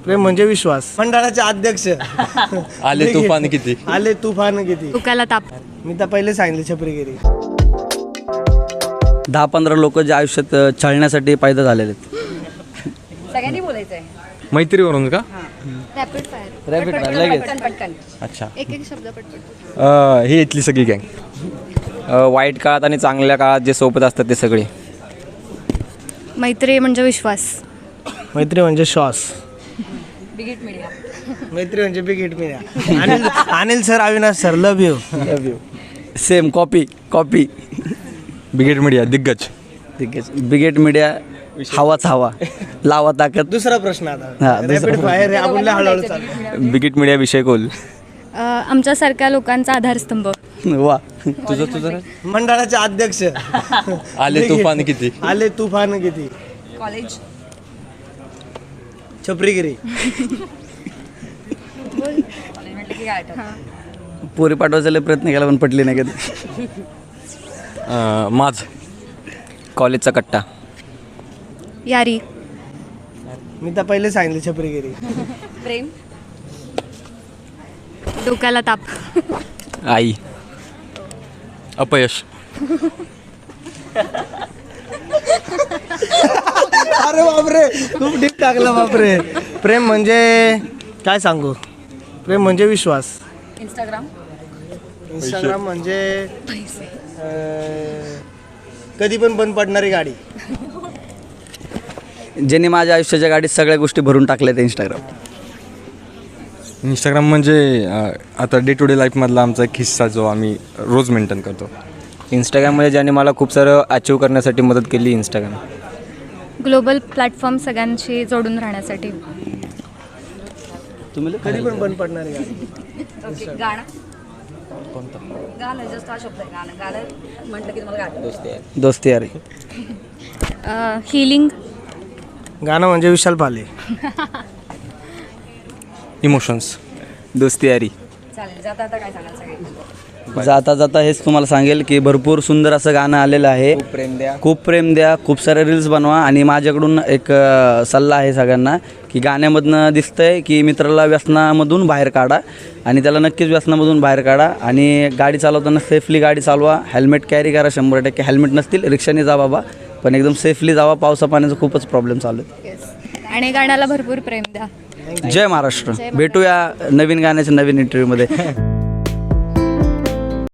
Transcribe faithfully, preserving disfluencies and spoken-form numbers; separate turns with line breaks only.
प्रेम म्हणजे विश्वास. मंडळाचे अध्यक्ष
आले तुफान किती
आले तुफान किती.
डोक्याला ताप.
मी तर पहिले सांगितले छपरीगिरी.
दहा पंधरा लोक जे आयुष्यात छळण्यासाठी पैदा झालेले आहेत.
सगळ्यांनी बोलायचंय.
मैत्रीवरून का?
Rapid fire.
रॅपिड फायर लगेच.
पटकन पटकन.
अच्छा.
एक एक शब्द पटपट.
ही इथली सगळी गँग.
वाईट काळात आणि चांगल्या काळात जे सोबत असतात ते सगळे.
मैत्री म्हणजे विश्वास.
मैत्री म्हणजे श्वास.
Big hit media.
मैत्री म्हणजे big hit media. Anil Anil sir, Avinash sir, love you.
Love you. Same copy copy.
Big hit media दिग्गज.
बिगेट मीडिया हवाच हवा लावा ताकद.
दुसरा प्रश्न आता.
हा, दुसरा
रॅपिड फायर आहे, आपण लय हळूहळू चालू.
बिगिट मीडिया विषय कोल.
आमच्यासारख्या लोकांचा आधारस्तंभ.
वा.
तुझं तुझं
मंडळाचे अध्यक्ष
आले तुफान किती
आले तुफान किती.
कॉलेज.
छपरीगिरी.
पोरी पाठवायचा प्रयत्न केला पण पटली नाही कधी.
माझ.
कॉलेजचा कट्टा.
यारी.
मी तर पहिले सांगितले छपरीगिरी.
प्रेम. डोक्याला ताप.
आई.
अपयश.
अरे बापरे, खूप डीप टाकलं बापरे. प्रेम म्हणजे काय सांगू. प्रेम म्हणजे विश्वास.
इंस्टाग्राम.
इंस्टाग्राम म्हणजे अं, कधी पण बंद पडणारी गाडी.
ज्यांनी माझ्या आयुष्याच्या गाडीत सगळ्या गोष्टी भरून टाकल्या त्या इंस्टाग्राम.
इंस्टाग्राम म्हणजे अं, आता डे टू डे लाईफमधला आमचा एक हिस्सा जो आम्ही रोज मेंटेन करतो.
इंस्टाग्राममध्ये ज्याने मला खूप सारं अचीव करण्यासाठी मदत केली इंस्टाग्राम.
ग्लोबल प्लॅटफॉर्म सगळ्यांशी जोडून राहण्यासाठी.
तुम्ही
कधी पण बंद पडणारी गाडी.
गाणं. कोणतं गाणं? जस्ट हा शब्द आहे गाणं. गाणं म्हटलं की तुम्हाला गाणं.
दोस्ती यारी.
हिलिंग.
गाणं म्हणजे विशाल पाले.
इमोशन्स.
दोस्ती यारी.
चालेल. जाता आता काय सांगाल सगळे.
जाता जाता हेच तुम्हाला सांगेल की भरपूर सुंदर असं गाणं आलेलं आहे.
खूप प्रेम द्या.
खूप प्रेम द्या. खूप सारे रील्स बनवा. आणि माझ्याकडून एक अ, सल्ला आहे सगळ्यांना की गाण्यामधनं दिसतंय की मित्राला व्यसनामधून बाहेर काढा आणि त्याला नक्कीच व्यसनामधून बाहेर काढा. आणि गाडी चालवताना सेफली गाडी चालवा. हेल्मेट कॅरी करा. शंभर टक्के हेल्मेट नसतील रिक्षाने जा बाबा, पण एकदम सेफली जावा. पावसा पाण्याचा खूपच प्रॉब्लेम चालू आहे.
आणि गाण्याला भरपूर प्रेम द्या.
जय महाराष्ट्र. भेटूया नवीन गाण्याच्या नवीन इंटरव्ह्यूमध्ये.